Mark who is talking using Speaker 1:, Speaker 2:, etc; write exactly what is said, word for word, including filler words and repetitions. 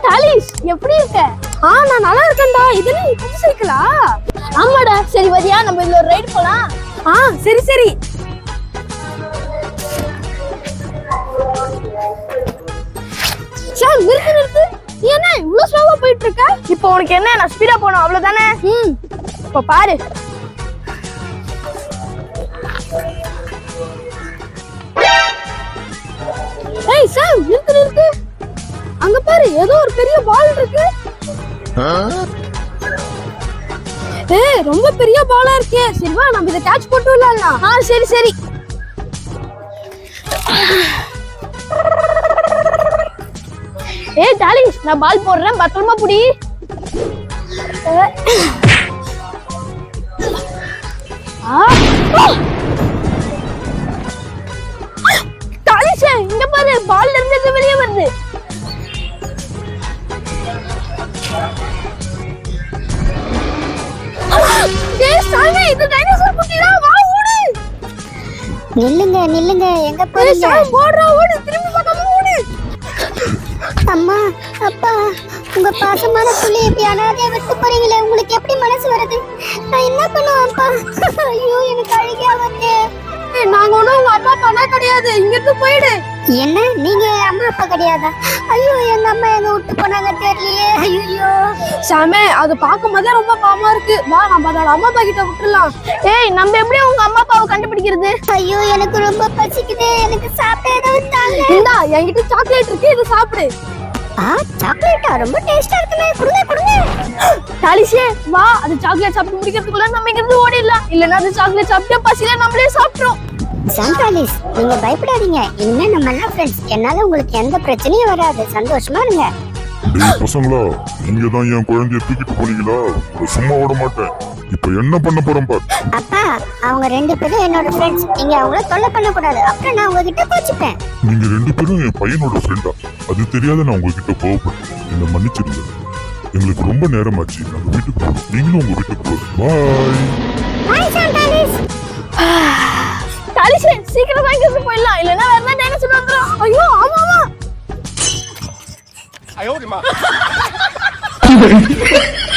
Speaker 1: தாலிஷ் எப்படி இருக்க? ஆ நான் நல்லா இருக்கேன்டா. இது என்ன புது சைக்கிளா? ஆமாடா. சரி வரியா நம்ம இதுல ஒரு ரைட் போலாம்? ஆ சரி சரி. சார் நிறுத்து நிறுத்து. நீ என்ன இவ்ளோ ஸ்லோவா போயிட்டு இருக்க? இப்போ உனக்கு என்ன நான் ஸ்பீடா போணும் அவ்வளவுதானே? ம் இப்போ பாரு. ஏய் சார் நிறுத்து நிறுத்து. அங்க பாரு ஏதோ ஒரு பெரிய பால் இருக்கு. ஏய் ரொம்ப பெரிய பாலா இருக்கே. சரி வா நம்ம இத கேட்ச் போட்டு விளையாடலாம். ஆ சரி சரி. ஏய் டாலிஷ் நான் பால் போடுறேன் பத்திரமா புடி. டாலிஷ் இங்க பாரு பால்ல இருந்து வெளியே வருது. ஏய் சாமி இது டைனோசர் குட்டிடா வா ஓடு.
Speaker 2: நில்லுங்க நில்லுங்க எங்க போறீங்க?
Speaker 1: ஏய் ஓடுறா ஓடு திரும்பி பார்க்காம ஓடு.
Speaker 2: அம்மா அப்பா உங்க பாசமான புள்ளி இப்படி அனாதையா விட்டு போறீங்களே உங்களுக்கு எப்படி மனசு வருது? நான் என்ன பண்ணுவேன் அப்பா? ஐயோ எனக்கு அழுகையா வருது.
Speaker 1: நாங்க ஒண்ணும் உங்க அம்மா அப்பா கிடையாது. இங்க இருந்து போயிடு.
Speaker 2: என்ன நீங்க அம்மா அப்பா கிடையாதா? ஐயோ எங்க அம்மா எங்க விட்டு போனாங்க தெரியலையே. ஐயோ
Speaker 1: சாமே அது பார்க்கும் போதே ரொம்ப பாவமா இருக்கு. வா நம்ம அதோட அம்மா அப்பா கிட்ட விட்டுறலாம். ஏய் நம்ம எப்படி உங்க அம்மா அப்பாவை கண்டுபிடிக்கிறது?
Speaker 2: ஐயோ எனக்கு ரொம்ப பசிக்குது. எனக்கு சாப்பிட ஏதாவது தாங்க.
Speaker 1: இந்தா என்கிட்ட சாக்லேட் இருக்கு இத சாப்பிடு.
Speaker 2: ஆ சாக்லேட்டா ரொம்ப டேஸ்டா இருக்குமே. குடுங்க குடுங்க.
Speaker 1: டாலிஷே வா அது சாக்லேட் சாப்பிட்டு முடிக்கிறதுக்குள்ள நம்ம இங்க இருந்து ஓடிடலாம். இல்லனா அது சாக்லேட் சாப்பிட்டு பசில நம்மளே சாப்பிட்றோம்.
Speaker 2: சாந்தாலிஸ் நீங்க பயப்படாதீங்க. இனிமே நம்ம எல்லாம் ஃப்ரெண்ட்ஸ். என்னால உங்களுக்கு எந்த பிரச்சனையும் வராது. சந்தோஷமா இருங்க.
Speaker 3: டேய் பசங்களா நீங்க தான் என் குழந்தைய தூக்கிட்டு போனீங்களா? சும்மா விட மாட்டேன். இப்போ என்ன பண்ண போறோம் பாரு.
Speaker 2: அப்பா அவங்க ரெண்டு பேரும் என்னோட ஃப்ரெண்ட்ஸ். நீங்க அவங்கள தொல்லை பண்ண கூடாது. அப்புறம் நான் உங்ககிட்ட கோச்சிப்பேன்.
Speaker 3: நீங்க ரெண்டு பேரும் என் பையனோட ஃப்ரெண்டா? அது தெரியாத நான் உங்ககிட்ட கோவப்பட்டேன். என்ன மன்னிச்சிடுங்க. எங்களுக்கு ரொம்ப நேரமாச்சு. நம்ம வீட்டுக்கு போறோம். நீங்களும் உங்க வீட்டுக்கு போறோம். பாய்.
Speaker 2: பாய் சாந்தாலிஸ்.
Speaker 1: டாலிஷே சீக்கிரம் வாங்கி வந்து போயிடலாம். இல்லனா வேற என்ன டைனோசர் வந்துரும். ஐயோ ஆமா ஆமா. ஐயோ